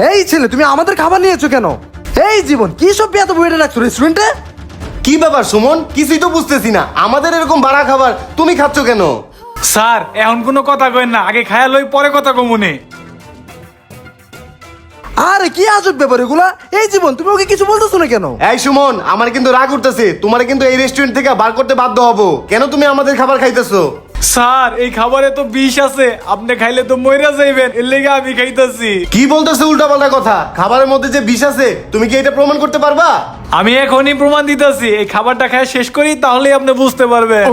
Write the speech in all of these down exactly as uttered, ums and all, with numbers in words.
এই ছেলে, তুমি আমাদের খাবার নিয়েছো কেন? এই জীবন, কি সব এত বইটা রাখছো রেস্টুরেন্টে? কি ব্যাপার সুমন, কিছুই তো বুঝতেছি না, আমাদের এরকম বাড়া খাবার তুমি খাচ্ছ কেন? স্যার এখন কোনো কথা কইন না, আগে খায়া লই পরে কথা কমুনে। আরে কি আজব ব্যাপার এগুলা? এই জীবন, তুমি ওকে কিছু বলতেছো না কেন? এই সুমন, আমার কিন্তু রাগ উঠতেছে, তোমার কিন্তু এই রেস্টুরেন্ট থেকে বার করতে বাধ্য হবো। কেন তুমি আমাদের খাবার খাইতেছো? স্যার এই খাবারে তো বিষ আছে, আপনি খাইলে তো মইরা যাইবেন, এর লেগে আমি খাইতাছি। কি বলতেছো উল্টা পাল্টা কথা? খাবারের মধ্যে যে বিষ আছে তুমি কি এটা প্রমাণ করতে পারবা? আমি এখনই প্রমাণ দিতেছি, এই খাবারটা খায় শেষ করি তাহলেই আপনি বুঝতে পারবেন।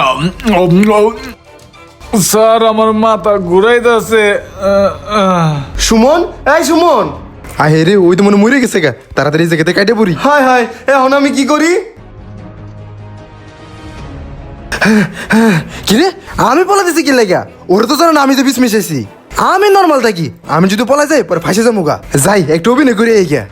স্যার আমার মাথা ঘুরাইতেছে। সুমন, এই সুমন। আহে রে, ওই তো মনে মরে গেছে গা, তাড়াতাড়ি এই জায়গাতে কাটে পড়ি। হায় হায়, এখন আমি কি করি? কি রে, আমি পলা দিছি কি লাগা? ওরা তো জানো না আমি যে বিষ মিশাইছি। আমি নর্মাল থাকি, আমি যদি পলা যাই পরে ফাঁসে যাবো গা। যাই একটু অভিনয় করে এই গা।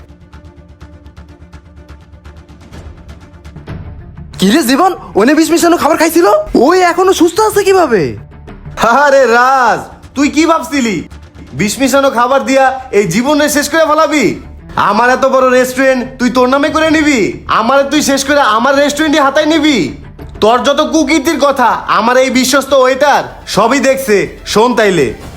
কি রে জীবন, ওনে বিষ মিশানো খাবার খাইছিল? ওই এখনো সুস্থ আছে কিভাবে? আরে রাজ, তুই কি ভাবছিলি বিষ মিশানো খাবার দিয়া এই জীবনে শেষ করে ফেলাবি? আমার এত বড় রেস্টুরেন্ট তুই তোর নামে করে নিবি? আমার তুই শেষ করে আমার রেস্টুরেন্টে হাতায় নিবি? তোর যত কুকীর্তির কথা আমার এই বিশ্বস্ত ওয়েটার সবই দেখছে। শোন তাইলে,